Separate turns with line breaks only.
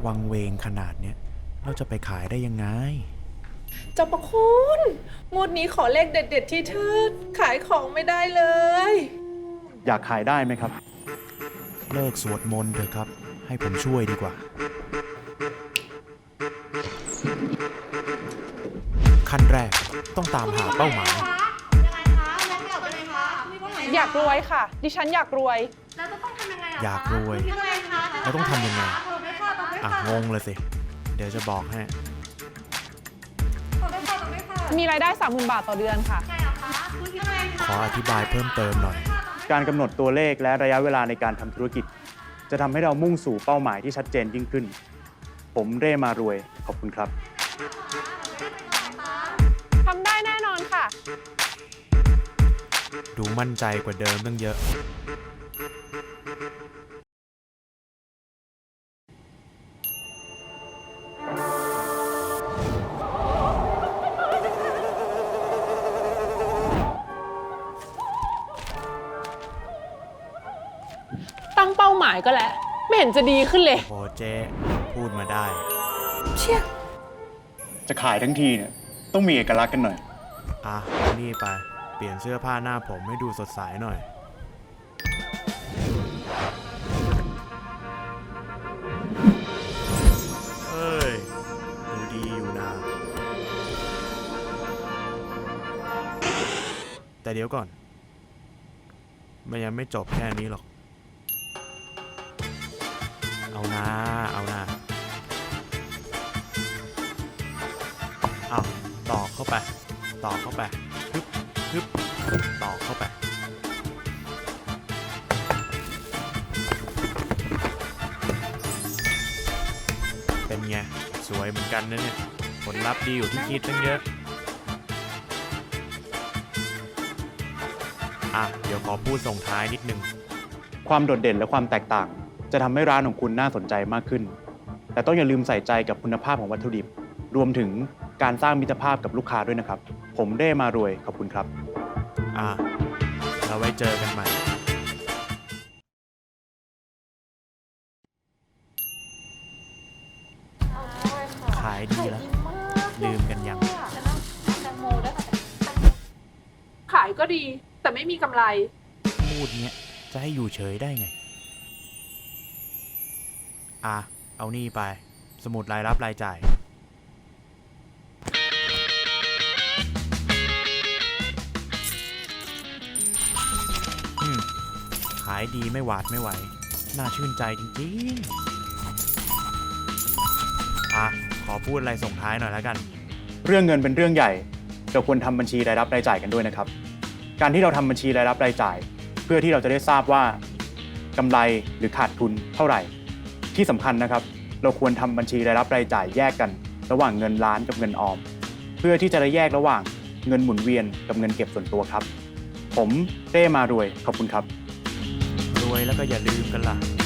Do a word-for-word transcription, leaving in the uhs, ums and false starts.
วังเวงขนาดเนี้ยเราจะไปขายได้ยังไง
เจ้าประคุณงวดนี้ขอเลขเด็ดๆที่ทืดขายของไม่ได้เลย
อยากขายได้ไหมครับ
เลิกสวดมนต์เถอะครับให้ผมช่วยดีกว่าขั้นแรกต้องตามหาเป้าหมาย
อยากรวยค่ะ ดิฉันอยากรวย
แล้วจะต้องทำยังไงอะคะ
อยากรวย
ยังไงคะ
เราต้องทำยังไง
ตอบด้วยค่ะตอบด้วย
อ่ะ
ค่ะ
งงเลยสิเดี๋ยวจะบอกให้
ตอบด้วยค่ะตอบด้วยค่ะ
มีรายได้ สามหมื่น บาทต่อเดือนค่ะ
ใช่เหรอคะคุณยังไงคะ
ขออธิบายเพิ่มเติมหน่อย
การกำหนดตัวเลขและระยะเวลาในการทำธุรกิจ จะทำให้เรามุ่งสู่เป้าหมายที่ชัดเจนยิ่งขึ้น ผมเร่มารวยขอบคุณครับ
ทำได้แน่นอนค่ะ
ดูมั่นใจกว่าเดิมตั้งเยอะ
ตั้งเป้าหมายก็แล้ว ไม่เห็นจะดีขึ้นเลย
โอ้เจ๊พูดมาได้
เชี่ย
จะขายทั้งทีเนี่ยต้องมีเอกลักษณ์กันหน่อย
อ่ะเอานี่ไปเปลี่ยนเสื้อผ้าหน้าผมให้ดูสดใสหน่อยเอ้ยดูดีอยู่นะแต่เดี๋ยวก่อนมันยังไม่จบแค่นี้หรอกเอานะเอานะเอาต่อเข้าไปต่อเข้าไปฮึบฮึบต่อเข้าไปเป็นไงสวยเหมือนกันนะเนี่ยผลลัพธ์ดีอยู่ที่คิดตั้งเยอะอ่ะเดี๋ยวขอพูดส่งท้ายนิดนึง
ความโดดเด่นและความแตกต่าง จะทำให้ร้านของคุณน่าสนใจมากขึ้น แต่ต้องอย่าลืมใส่ใจกับคุณภาพของวัตถุดิบ รวมถึงการสร้างมิตรภาพกับลูกค้าด้วยนะครับ ผมเร่มารวยขอบคุณครับ
อ่ะเราไว้เจอกันใหม่ขายดีแล้วลืมกันยัง
ขายก็ดี แต่ไม่มีกำไร
พูดเนี้ยจะให้อยู่เฉยได้ไง อ่ะ เอานี่ไป สมุดรายรับรายจ่าย อืม ขายดีไม่หวาดไม่ไหว น่าชื่นใจจริงๆ อ่ะ ขอพูดอะไรส่งท้ายหน่อยแล้วกัน
เรื่องเงินเป็นเรื่องใหญ่ เราควรทำบัญชีรายรับรายจ่ายกันด้วยนะครับ การที่เราทำบัญชีรายรับรายจ่าย เพื่อที่เราจะได้ทราบว่ากำไรหรือขาดทุนเท่าไหร่ ที่สำคัญนะครับ เราควรทำบัญชีรายรับรายจ่ายแยกกัน ระหว่างเงินล้านกับเงินออม เพื่อที่จะได้แยกระหว่างเงินหมุนเวียนกับเงินเก็บส่วนตัวครับ ผมเร่มารวยขอบคุณครับ
รวยแล้วก็อย่าลืมกันล่ะ